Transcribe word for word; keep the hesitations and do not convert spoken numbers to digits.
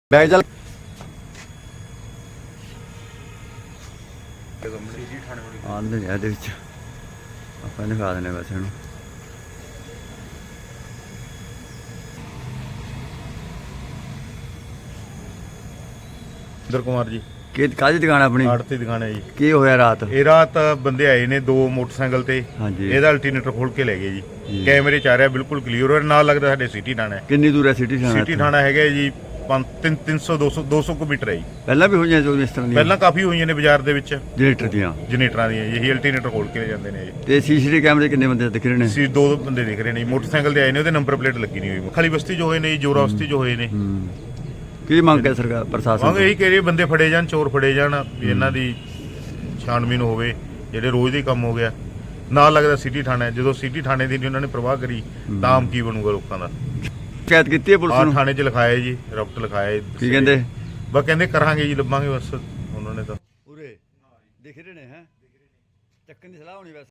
Bag ਚੱਲ ਆਂਦੇ ਨੇ ਇਹਦੇ ਵਿੱਚ ਆਪਾਂ ਇਹਨੂੰ ਖਾ ਦੇਣੇ ਬਸ ਇਹਨੂੰ। ਇੰਦਰ ਕੁਮਾਰ ਜੀ ਕਿ ਕਾਹਦੀ ਦੁਕਾਨ ਆਪਣੀ? ਆੜਤੀ ਦੁਕਾਨ ਹੈ ਜੀ। ਕੀ ਹੋਇਆ ਰਾਤ? ਇਹ ਰਾਤ ਬੰਦੇ ਆਏ ਨੇ ਦੋ ਮੋਟਰਸਾਈਕਲ ਤੇ, ਹਾਂਜੀ ਇਹਦਾ ਅਲਟਰਨੇਟਰ ਖੋਲ ਕੇ ਲੈ ਗਏ ਜੀ। ਕੈਮਰੇ ਚ ਆ ਰਿਹਾ ਬਿਲਕੁਲ ਕਲੀਅਰ, ਔਰ ਨਾਲ ਲੱਗਦਾ ਸਾਡੇ ਸਿਟੀ ਥਾਣਾ ਹੈ। ਕਿੰਨੀ ਦੂਰ ਹੈ ਸਿਟੀ ਥਾਣਾ? ਸਿਟੀ ਥਾਣਾ ਹੈਗਾ ਜੀ ਤਿੰਨ ਸੌ ਦੋ ਸੌ ਦੋ ਸੌ ਕਿਲੋਮੀਟਰ ਹੈ ਜੀ। ਪਹਿਲਾਂ ਵੀ ਹੋਈਆਂ ਜੋ ਇਸ ਤਰ੍ਹਾਂ ਦੀਆਂ? ਪਹਿਲਾਂ ਕਾਫੀ ਹੋਈਆਂ ਨੇ ਬਾਜ਼ਾਰ ਦੇ ਵਿੱਚ ਜਨਰੇਟਰ ਦੀਆਂ ਜਨਰੇਟਰਾਂ ਦੀਆਂ। ਇਹੀ ਅਲਟਰਨੇਟਰ ਖੋਲ ਕੇ ਲੈ ਜਾਂਦੇ ਨੇ ਜੀ। ਤੇ ਸੀਸੀਟੀਵੀ ਕੈਮਰੇ ਕਿੰਨੇ ਬੰਦੇ ਦਿਖ ਰਹੇ ਨੇ? ਸੀ ਦੋ ਬੰਦੇ ਦਿਖ ਰਹੇ ਨੇ ਜੀ, ਮੋਟਰਸਾਈਕਲ ਤੇ ਆਏ ਨੇ, ਉਹਦੇ ਨੰਬਰ ਪਲੇਟ ਲੱਗੀ ਨਹੀਂ ਹੋਈ। ਖਾਲੀ ਬਸਤੀ ਜੋ ਹੋਏ ਨੇ ਜੀ, ਜੋਰਾ ਬਸਤੀ ਜੋ ਹੋਏ ਨੇ। ਕੀ ਮੰਗ ਹੈ ਸਰਕਾਰ ਪ੍ਰਸ਼ਾਸਨ ਮੰਗ ਤੋਂ? ਇਹੀ ਕਹਿ ਰਹੀ ਬੰਦੇ ਫੜੇ ਜਾਣ, ਚੋਰ ਫੜੇ ਜਾਣ, ਵੀ ਇਹਨਾਂ ਦੀ ਛਾਣਬੀਨ ਹੋਵੇ। ਜਿਹੜੇ ਰੋਜ਼ ਦੇ ਕੰਮ ਹੋ ਗਿਆ, ਨਾਲ ਲੱਗਦਾ ਸਿਟੀ ਥਾਣਾ ਹੈ। ਜਦੋਂ ਸਿਟੀ ਥਾਣੇ ਦੀ ਨਹੀਂ ਉਹਨਾਂ ਨੇ ਪ੍ਰਵਾਹ ਕਰੀ ਤਾਂ ਆਮ ਕੀ ਬਣੂਗਾ ਲੋਕਾਂ ਦਾ। ਸ਼ਿਕਾਇਤ ਕੀਤੀ ਹੈ ਪੁਲਿਸ ਆਹ ਨੂੰ? ਥਾਣੇ 'ਚ ਲਿਖਾਇਆ ਜੀ, ਰਫਟ ਲਿਖਾਇਆ। ਕੀ ਕਹਿੰਦੇ? ਬਸ ਕਹਿੰਦੇ ਕਰਾਂਗੇ ਜੀ, ਲੱਭਾਂਗੇ ਬਸ ਉਹਨਾਂ ਨੇ ਤਾਂ। ਉਰੇ ਦਿਖ ਰਹੇ ਨੇ ਹੈ ਚੱਕਣ ਦੀ ਸਲਾਹ ਹੋਣੀ ਵੈਸੇ।